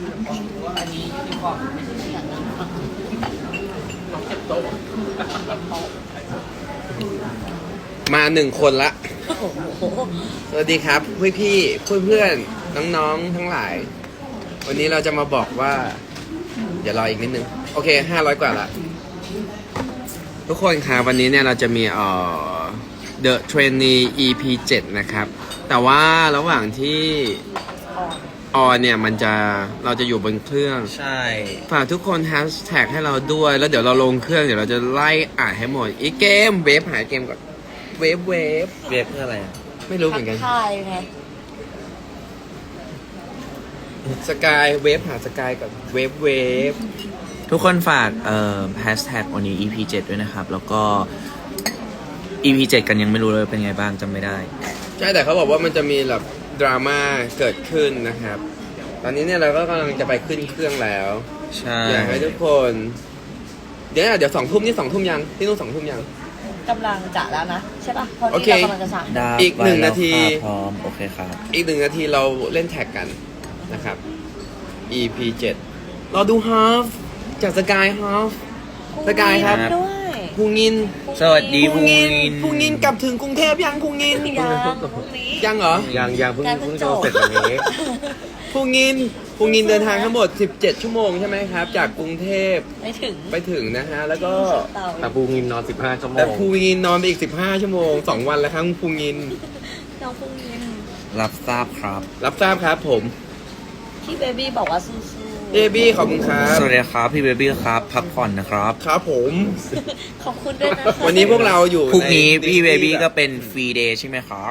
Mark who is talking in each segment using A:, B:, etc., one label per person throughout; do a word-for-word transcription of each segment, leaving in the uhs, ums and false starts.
A: อันนี้ยูนิฟอร์มไม่ใช่เสียงนะต้องเก็บโต๊ะ
B: มาหนึ่งคนละสวัสดีครับพี่พี่เพื่อนเพื่อนน้องๆทั้งหลาย วันนี้เราจะมาบอกว่าเดี๋ยวรออีกนิดนึงโอเคห้าร้อยกว่าละทุกคนครับวันนี้เนี่ยเราจะมีเอ่อ The Trainee อี พี เจ็ดนะครับแต่ว่าระหว่างที่ออนเนี่ยมันจะเราจะอยู่บนเครื่อง
C: ใช่
B: ฝากทุกคนแฮชแท็กให้เราด้วยแล้วเดี๋ยวเราลงเครื่องเดี๋ยวเราจะไล่อ่านให้หมดอีกเกมเวฟหาเกมก่อนเวฟเวฟ
C: เวฟเพื่ออะไรอ่ะ
B: ไม่รู้เหมือนกัน
D: ทายไง
B: สกายเวฟหาสกายก่อนเวฟเวฟ
C: ทุกคนฝากเอ่อแฮชแท็กวันนี้ อี พี เจ็ดด้วยนะครับแล้วก็ อี พี เจ็ดกันยังไม่รู้เลยเป็นไงบ้างจำไม่ได้
B: ใช่แต่เขาบอกว่ามันจะมีแบบดราม่าเกิดขึ้นนะครับตอนนี้เนี่ยเราก็กำลังจะไปขึ้นเครื่องแล้ว
C: ใช่
B: อยากให้ทุกคนเดี๋ยวเดี๋ยวสองทุ่มนี่สองทุ่มยังที่นู่นสองทุ่มยัง
D: กำลังจะแล้วนะใช่ป่ะเพราะนี่เรากำลังจะสั่ง
B: อีกหนึ่งนาที
C: พร้อมโอเคครับ
B: อีกหนึ่งนาทีเราเล่นแท็กกันนะครับ อี พี เจ็ดเราดูฮาฟจากสกายฮาฟสกายครับพุงยิน
C: สวัสดีพุงยิน
B: พุงยินกลับถึงกรุงเทพยังพุงยินยังเหรอ
C: ยังยังเพิ่งเพิ่งจะเสร็จวันนี้
B: พุงยินพุงยินเดินทางทั้งหมดสิบเจ็ดชั่วโมงใช่ไหมครับจากกรุงเทพ
D: ไปถึง
B: ไปถึงนะฮะแล้วก็
C: แต่พุงยินนอนสิบห้าชั่วโมง
B: แต่พุงยินนอนไปอีกสิบห้าชั่วโมงสองวันแล้วครับพุงยิน
D: น้องพุงยิน
C: รับทราบครับ
B: รับทราบครับผม
D: พี่เบบี้บอกว่าสู้
B: ๆเบบี้ขอบคุณครับ
C: สวัสดีครับพี่เบบี้ครับพักผ่อนนะครับ
B: ครับผม
D: ขอบคุณด้วยนะ
B: วันนี้พวกเราอยู่
C: พรุ่งนี้พี่เบบี้ก็เป็นฟรีเดย์ใช่ไหมครับ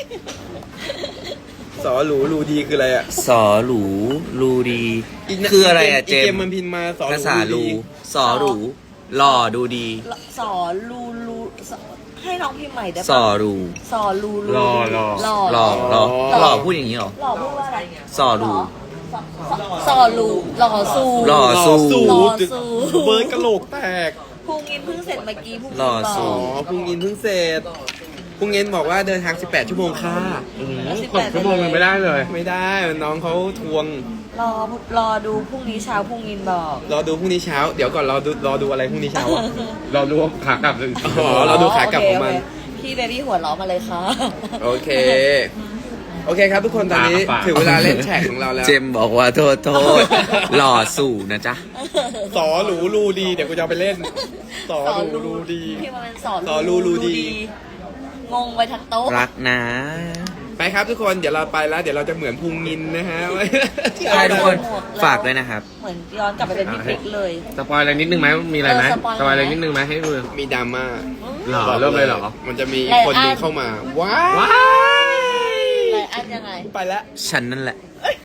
B: สอหรูรูดีคืออะไรอ่ะ
C: สอหรูรูดีคืออะไรอ่ะเจม
B: เกมมันพิมพ์มาสอหรู
C: ภาษารูสอหรูหล่อดูดี
D: สอรูรูให้น้องพิมพ์ใหม่ได้
C: ป่ะสอรู
D: สอรูรู
C: หล่อหล่อหล่อหล่อหล่อพูดอย่างนี้หรอ
D: หล่อพูดว่าอะไร
C: สอรู
D: สอรูหล่อซู
C: หล่อซู
D: หล่อซู
B: เบิร์ดกะโหลกแตก
D: พุงยินเพิ่งเสร็จเมื่อกี้พุงยิน
C: หล่อซู
B: พุงยินเพิ่งเสร็จพุงยินบอกว่าเดินทางสิบแปดชั่วโมงค่ะ
C: หกชั่วโมงมันไม่ได้เลย
B: ไม่ได้น้องเขาทวง
D: รอรอดูพรุ่งนี้เช้าพุงยินบอก
B: รอดูพรุ่งนี้เช้าเดี๋ยวก่อนรอดูรอดูอะไรพรุ่งนี้เช้า
C: เราดูขากลับ
B: อ๋อเราดูขากลับของมัน
D: พี่เบบี้หัวล้อมาเลยค่ะ
B: โอเคโอเคครับทุกคนตอนนี้ถึงเวลาเล่นแท็กของเราแล้ว
C: เจมบอกว่าโทษโทษหล่อสู่นะจ๊ะ
B: สอหรูรูดีเดี๋ยวกูจะไปเล่นสอหรูรูดี
D: พี่มาเป็นสอ
B: สอรูรูดี
D: งงไปทั้งโต๊ะ
C: รักนะ
B: ไปครับทุกคนเดี๋ยวเราไปแล้วเดี๋ยวเราจะเหมือนพุงยินนะฮะ
C: ใช่ทุกคนฝากด้วยนะครับ
D: เหมือนย้อนกลับไปเป็นพี่ปิ๊กเลย
C: สปอยอะไรนิดนึงไหมมีอะไรไหมสปอยอะไรนิดนึงไหมให้ดู
B: มีดราม่า
C: หรอเริ่มเลยเหรอ
B: มันจะมีคนนึงเข้ามาว้าว
D: อะไรอันยังไง
B: ไปแล้ว
C: ฉันนั่นแหละ